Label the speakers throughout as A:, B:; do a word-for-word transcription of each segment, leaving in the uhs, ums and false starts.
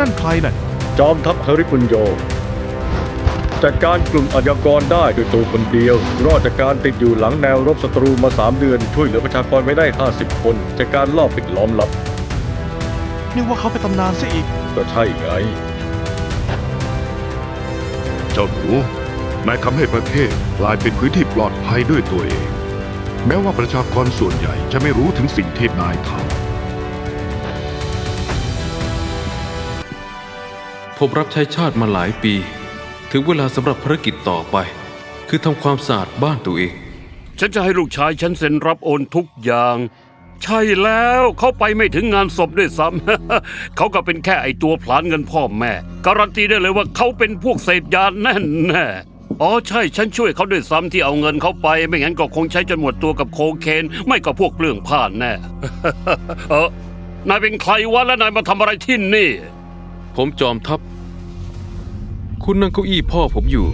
A: นั่นใครน่ะ
B: จอมทัพฮาริปุญโยจัดการกลุ่มอาชญากรได้ด้วยตัวคนเดียวรอดจากการติดอยู่หลังแนวรบศัตรูมาสามเดือนช่วยเหลือประชากรไว้ได้ห้าสิบคนจากการลอบปิดล้อมลับ
A: นึกว่าเขาเป็นตำนานซะอีก
B: ก็ใช่ไง
C: เจ้าหนูนายทำให้ประเทศกลายเป็นพื้นที่ปลอดภัยด้วยตัวเองแม้ว่าประชากรส่วนใหญ่จะไม่รู้ถึงสิ่งที่นายท
D: ำผมรับใช้ชาติมาหลายปีถึงเวลาสำหรับภารกิจต่อไปคือทำความสะอาดบ้านตัวเอง
E: ฉันจะให้ลูกชายฉันเซ็นรับโอนทุกอย่างใช่แล้วเขาไปไม่ถึงงานศพด้วยซ้ำ เขาก็เป็นแค่ไอตัวผลาญเงินพ่อแม่การันตีได้เลยว่าเขาเป็นพวกเสพยาแน่แน่อ๋อใช่ฉันช่วยเขาด้วยซ้ำที่เอาเงินเขาไปไม่งั้นก็คงใช้จนหมดตัวกับโคเคนไม่ก็พวกเปลืองผ้าแน่ เออนายเป็นใครวะและนายมาทำอะไรที่นี่
D: ผมจอมทัพคุณนั่งเก้าอี้พ่อผมอยู่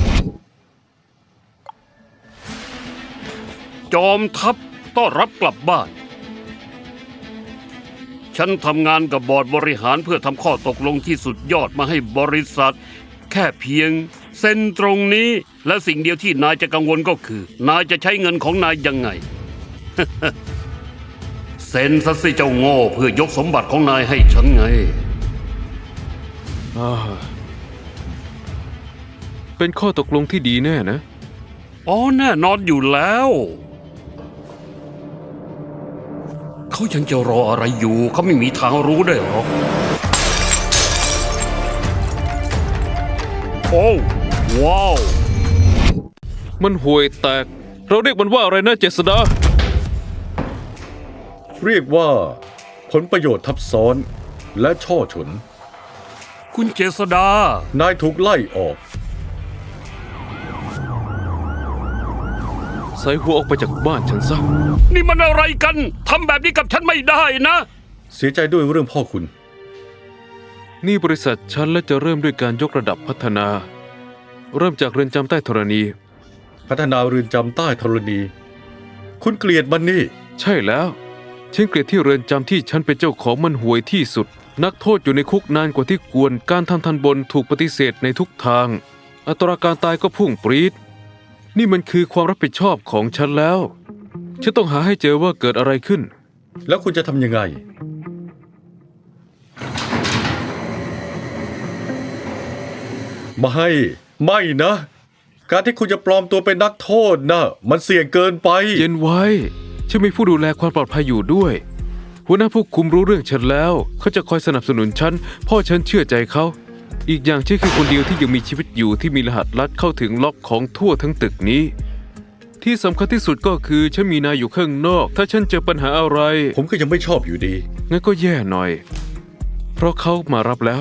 E: จอมทัพต้อนรับกลับบ้านฉันทำงานกับบอร์ดบริหารเพื่อทำข้อตกลงที่สุดยอดมาให้บริษัทแค่เพียงเซ็นตรงนี้และสิ่งเดียวที่นายจะกังวลก็คือนายจะใช้เงินของนายยังไง เซ็นซะสิเจ้าโง่เพื่อยกสมบัติของนายให้ฉันไง
D: เป็นข้อตกลงที่ดีแน่นะ
E: อ๋อแน่นอนอยู่แล้วเขายังจะรออะไรอยู่เขาไม่มีทางรู้ได้หรอกโอ้ว้าว
D: มันห่วยแตกเราเรียกมันว่าอะไรนะเจษดา
B: เรียกว่าผลประโยชน์ทับซ้อนและช่อฉน
E: คุณเจษดาน
B: ายถูกไล่ออก
D: ใส่หัวออกไปจากบ้านฉันซะ
E: นี่มันอะไรกันทำแบบนี้กับฉันไม่ได้นะ
B: เสียใจด้วยเรื่องพ่อคุณ
D: นี่บริษัทฉันและจะเริ่มด้วยการยกระดับพัฒนาเริ่มจากเรือนจำใต้ธรณี
B: พัฒนาเรือนจำใต้ธรณีคุณเกลียดมันนี่
D: ใช่แล้วฉันเกลียดที่เรือนจำที่ฉันเป็นเจ้าของมันห่วยที่สุดนักโทษอยู่ในคุกนานกว่าที่ควรการทำทันบนถูกปฏิเสธในทุกทางอัตราการตายก็พุ่งปรี๊ดนี่มันคือความรับผิดชอบของฉันแล้วฉันต้องหาให้เจอว่าเกิดอะไรขึ้น
B: แล้วคุณจะทำยังไงไม่ไม่นะการที่คุณจะปลอมตัวเป็นนักโทษนะมันเสี่ยงเกินไป
D: เย็นไว้ฉันมีผู้ดูแลความปลอดภัยอยู่ด้วยหัวหน้าผู้คุมรู้เรื่องฉันแล้วเขาจะคอยสนับสนุนฉันพ่อฉันเชื่อใจเขาอีกอย่างฉันคือคนเดียวที่ยังมีชีวิตอยู่ที่มีรหัสลัดเข้าถึงล็อกของทั่วทั้งตึกนี้ที่สำคัญที่สุดก็คือฉันมีนายอยู่ข้างนอกถ้าฉันเจอปัญหาอะไร
B: ผมก็ยังไม่ชอบอยู่ดี
D: งั้นก็แย่หน่อยเพราะเขามารับแล้ว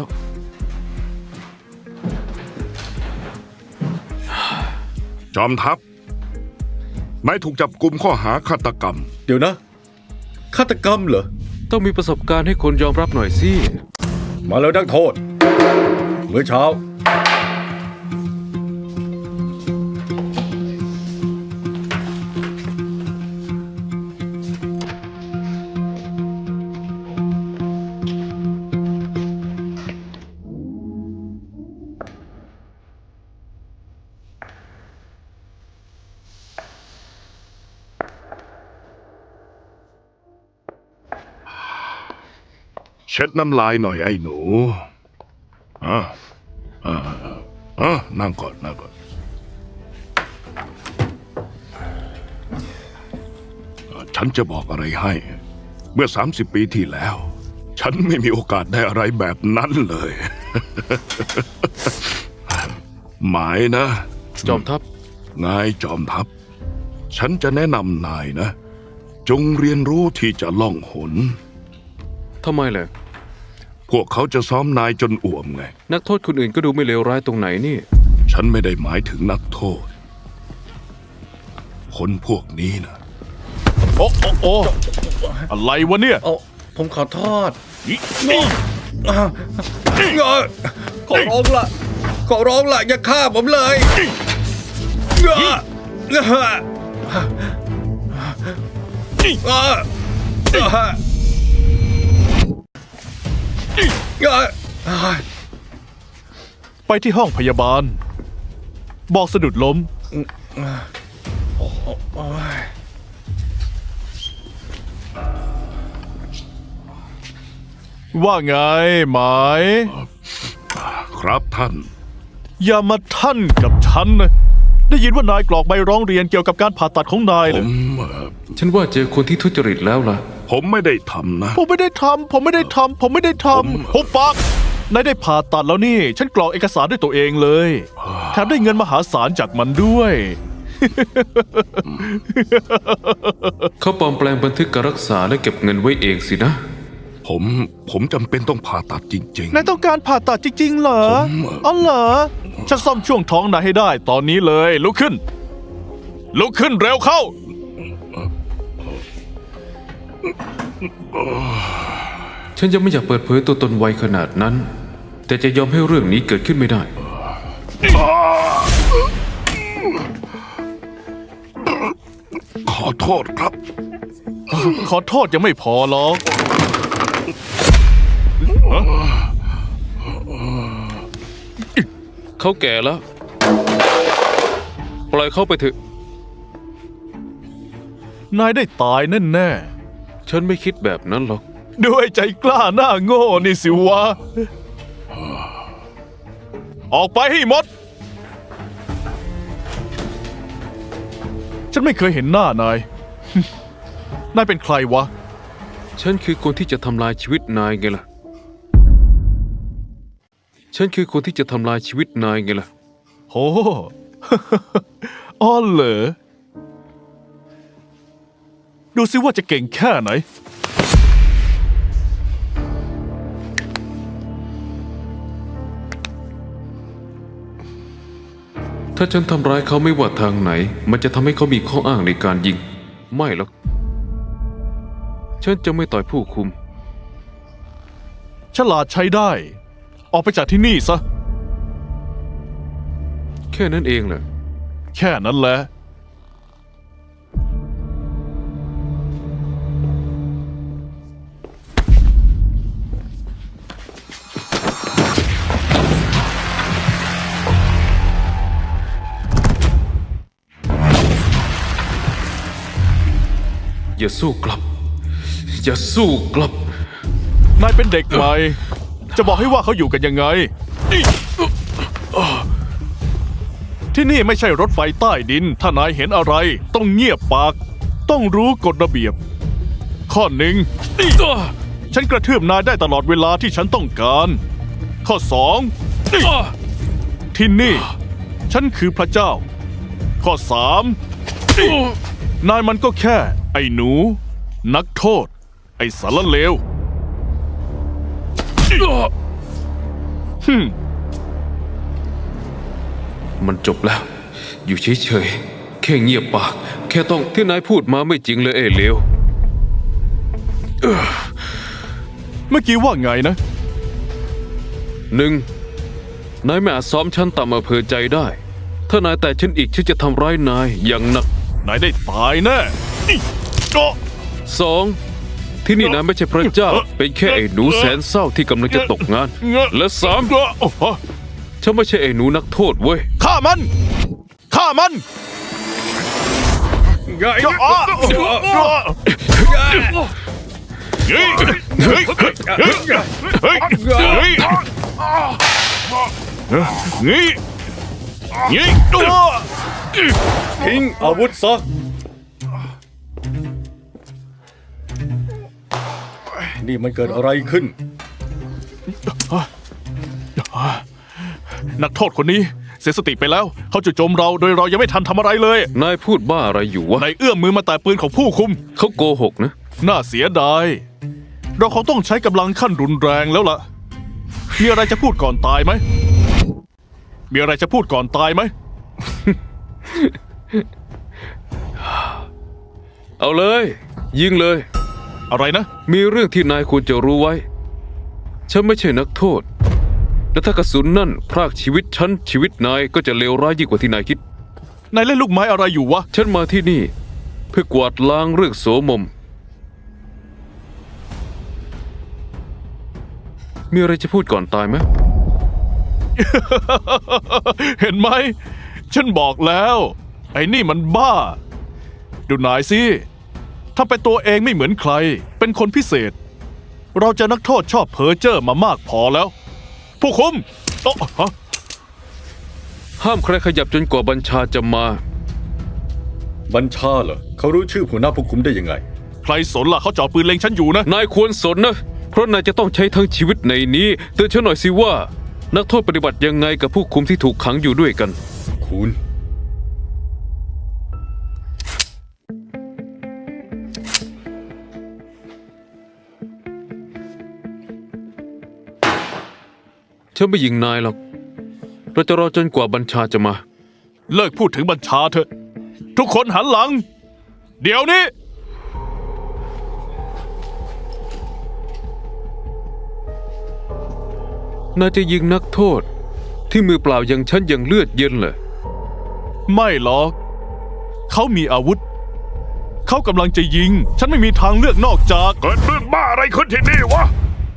C: จอมทัพนายถูกจับกุมข้อหาฆาตกรรม
B: เดี๋ยวนะฆาตกรรมเหรอ
D: ต้องมีประสบการณ์ให้คนยอมรับหน่อยสิ
B: มาแล้วนักโทษเมื่อเช้า
C: เช็ดน้ำลายหน่อยไอ้หนูอ่ะอ่ะอ่ะนั่งก่อนนั่งก่อนฉันจะบอกอะไรให้เมื่อสามสิบปีที่แล้วฉันไม่มีโอกาสได้อะไรแบบนั้นเลย หมายนะ
D: จอมทัพ
C: นายจอมทัพฉันจะแนะนำนายนะจงเรียนรู้ที่จะล่องหน
D: ทำไมล่ะ
C: พวกเขาจะซ้อมนายจนอ่วมไง
D: นักโทษคนอื่นก็ดูไม่เลวร้ายตรงไหนนี่
C: ฉันไม่ได้หมายถึงนักโทษคนพวกนี้นะ
A: โอ้โอ้โอ้อะไรวะเนี่ย
B: ผมขอโทษ
A: ขอร้องละ
B: ขอร้องละอย่าฆ่าผมเลย
A: ไปที่ห้องพยาบาล บอกสะดุดล้ม ว่าไงหมาย
C: ครับท่าน
A: อย่ามาท่านกับฉันนะ ได้ยินว่านายกรอกใบร้องเรียนเกี่ยวกับการผ่าตัดของนาย
C: ผ
A: เลย
C: มเอ่อ
D: ฉันว่าเจอคนที่ทุจริตแล้วล่ะ
C: ผมไม่ได้ทำนะ
A: ผมไม่ได้ทำ ผมไม่ได้ทำ ผมไม่ได้ท
C: ผม
A: ำหุบปากนายได้ผ่าตัดแล้วนี่ ฉันกรอกเอกสารด้วยตัวเองเลย แถมได้เงินมหาศาลจากมันด้วย
D: เขาปลอมแปลงบันทึกการรักษาและเก็บเงินไว้เองสินะ
C: ผมผมจำเป็นต้องผ่าตัดจริง
A: นายต้องการผ่าตัดจริงๆเหรอ
C: ผม
A: อ๋อเหรอ ฉันซ่อมช่วงท้องนายให้ได้ตอนนี้เลย ลุกขึ้น ลุกขึ้นเร็วเข้า
D: ฉันยังไม่อยากเปิดเผยตัวตนไวขนาดนั้น แต่จะยอมให้เรื่องนี้เกิดขึ้นไม่ได้
C: ๆ ขอโทษครับ
A: ขอโทษยังไม่พอหรอก
D: เขาแก่แล้ว ปล่อยเขาไปเถอะ
A: นายได้ตายแน่
D: ฉันไม่คิดแบบนั้นหรอก
A: ๆด้วยใจกล้าหน้าโง่นี่สิวะ ออกไปให้หมด ฉันไม่เคยเห็นหน้านาย นายเป็นใครวะ
D: ฉันคือคนที่จะทำลายชีวิตนายไงล่ะ ฉันคือคนที่จะทำลายชีวิตนายไงล่ะ
A: โห อ้อเหรอ ดูซิว่าจะเก่งแค่ไหน
D: ถ้าฉันทำร้ายเขาไม่ว่าทางไหน มันจะทำให้เขามีข้ออ้างในการยิง ไม่หรอก ฉันจะไม่ต่อยผู้คุม
A: ฉลาดใช้ได้ ออกไปจากที่นี่ซะ
D: แค่นั้นเองแหละ
A: แค่นั้นแหละ
D: อย่าสู้กลับ อย่าสู้กลับ
A: นายเป็นเด็กใหม่ จะบอกให้ว่าเขาอยู่กันยังไง ที่นี่ไม่ใช่รถไฟใต้ดิน ถ้านายเห็นอะไร ต้องเงียบปาก ต้องรู้กฎระเบียบ ข้อหนึ่ง ฉันกระทืบนายได้ตลอดเวลาที่ฉันต้องการ ข้อสอง ที่นี่ ฉันคือพระเจ้า ข้อสาม นายมันก็แค่ ไอ้หนู นักโทษ ไอ้สารเลวฮึม
D: มันจบแล้ว อยู่เฉยๆ แค่เงียบปาก แค่ต้องที่นายพูดมาไม่จริงเลยเอ้เลว
A: เมื่อกี้ว่าไงนะ
D: หนึ่ง นายไม่อาจซ้อมฉันตามอำเภอใจได้ ถ้านายแต่ฉันอีกฉันจะทำร้ายนายอย่างหนัก
A: นายได้ตายแน่อิ๊ะโอ๊ะ
D: สอง ที่นี่นายไม่ใช่พระเจ้า เป็นแค่ไอ้หนูแสนเศร้าที่กำลังจะตกงาน และสาม
A: โอ๊ะโอ้โห
D: ฉันไม่ใช่ไอ้หนูนักโทษเว้ย
A: ฆ่ามัน ฆ่ามันโอ๊ะโอ๊ะโอ๊ะเฮ้ยเฮ้ยเฮ้ยเฮ้ยเฮ้ยเฮ้ยเฮ้ยเฮ้ยโอ๊ะ
B: ทิ้งอาวุธซะ นี่มันเกิดอะไรขึ้น
A: นักโทษคนนี้เสียสติไปแล้ว เขาจู่โจมเราโดยเรายังไม่ทันทำอะไรเลย
D: นายพูดบ้าอะไรอยู่วะ
A: นายเอื้อมมือมาแตะปืนของผู้คุม
D: เขาโกหกนะ
A: น่าเสียดาย เราคงต้องใช้กำลังขั้นรุนแรงแล้วล่ะ มีอะไรจะพูดก่อนตายไหม มีอะไรจะพูดก่อนตายไหม
D: เอาเลย ยิงเลย
A: อะไรนะ
D: มีเรื่องที่นายควรจะรู้ไว้ ฉันไม่ใช่นักโทษ และถ้ากระสุนนั่นพรากชีวิตฉันชีวิตนายก็จะเลวร้ายยิ่งกว่าที่นายคิด
A: นายเล่นลูกไม้อะไรอยู่วะ
D: ฉันมาที่นี่ เพื่อกวาดล้างเรื่องโสมมมีอะไรจะพูดก่อนตายไหม
A: เห็นไหม ฉันบอกแล้ว ไอ้นี่มันบ้า ดูนายสิถ้าเป็นตัวเองไม่เหมือนใคร เป็นคนพิเศษ เราเจะนักโทษชอบเพ้อเจ้อมามากพอแล้ว ผู้คุมโอะฮะ
D: ห้ามใครขยับจนกว่าบัญชาจะมา
B: บัญชาเหรอเขารู้ชื่อหัวหน้าผู้คุมได้ยังไง
A: ใครสนล่ะเขาจ่อปืนเล็งฉันอยู่นะ
D: นายควรสนนะ เพราะนายจะต้องใช้ทั้งชีวิตในนี้เตือนฉันหน่อยสิว่า นักโทษปฏิบัติยังไงกับผู้คุมที่ถูกขังอยู่ด้วยกัน
B: คุณ
D: ฉันไม่ยิงนายหรอก เราจะรอจนกว่าบัญชาจะมา
A: เลิกพูดถึงบัญชาเถอะ ทุกคนหันหลัง เดี๋ยวนี้
D: นายจะยิงนักโทษ ที่มือเปล่าอย่างฉันยังเลือดเย็นเลย
A: ไม่หรอก เขามีอาวุธ เขากำลังจะยิง ฉันไม่มีทางเลือกนอกจาก
C: เกิดเรื่องบ้าอะไรขึ้นที่นี่วะ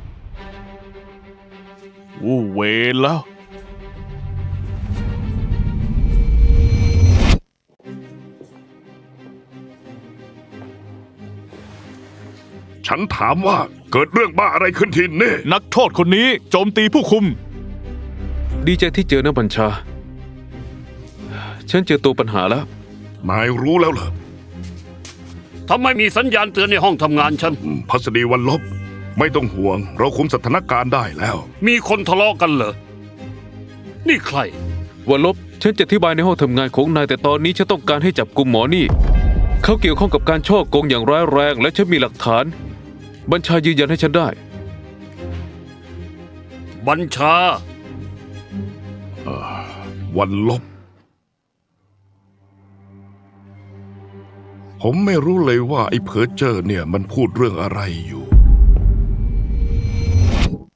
A: วูเวรแล้ว
C: ฉันถามว่าเกิดเรื่องบ้าอะไรขึ้นที่นี่
A: นักโทษคนนี้โจมตีผู้คุม
D: ดีใจที่เจอนะบัญชา ฉันเจอตัวปัญหาแล้ว
C: นายรู้แล้วเหรอ
E: ทำไมมีสัญญาณเตือนในห้องทำงานฉัน
C: อืมพัสดีวันลบ ไม่ต้องห่วง เราคุมสถานการณ์ได้แล้ว
E: มีคนทะเลาะกันเหรอ นี่ใคร
D: วันลบ ฉันจะอธิบายในห้องทำงานของนายแต่ตอนนี้ฉันต้องการให้จับกุมหมอนี่ เขาเกี่ยวข้องกับการช่อโกงอย่างร้ายแรงและฉันมีหลักฐาน บัญชายืนยันให้ฉันได้
E: บัญชา
C: วันลบ ผมไม่รู้เลยว่าไอ้เพอเจอร์เนี่ยมันพูดเรื่องอะไรอยู่